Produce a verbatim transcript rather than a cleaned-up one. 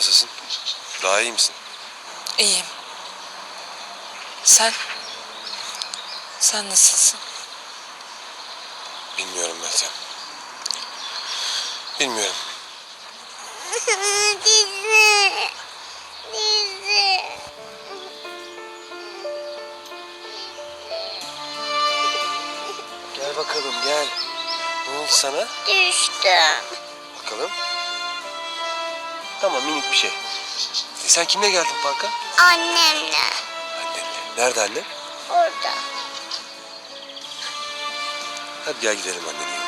nasılsın? Daha iyi misin? İyiyim. Sen? Sen nasılsın? Bilmiyorum Meltem. Bilmiyorum. Dizi. Dizi. Gel bakalım gel. Ne oldu sana? Düştüm. Bakalım. Tamam, minik bir şey. E sen kimle geldin parka? Annemle. Annenle. Nerede annen? Orada. Hadi gel gidelim annenin yanına.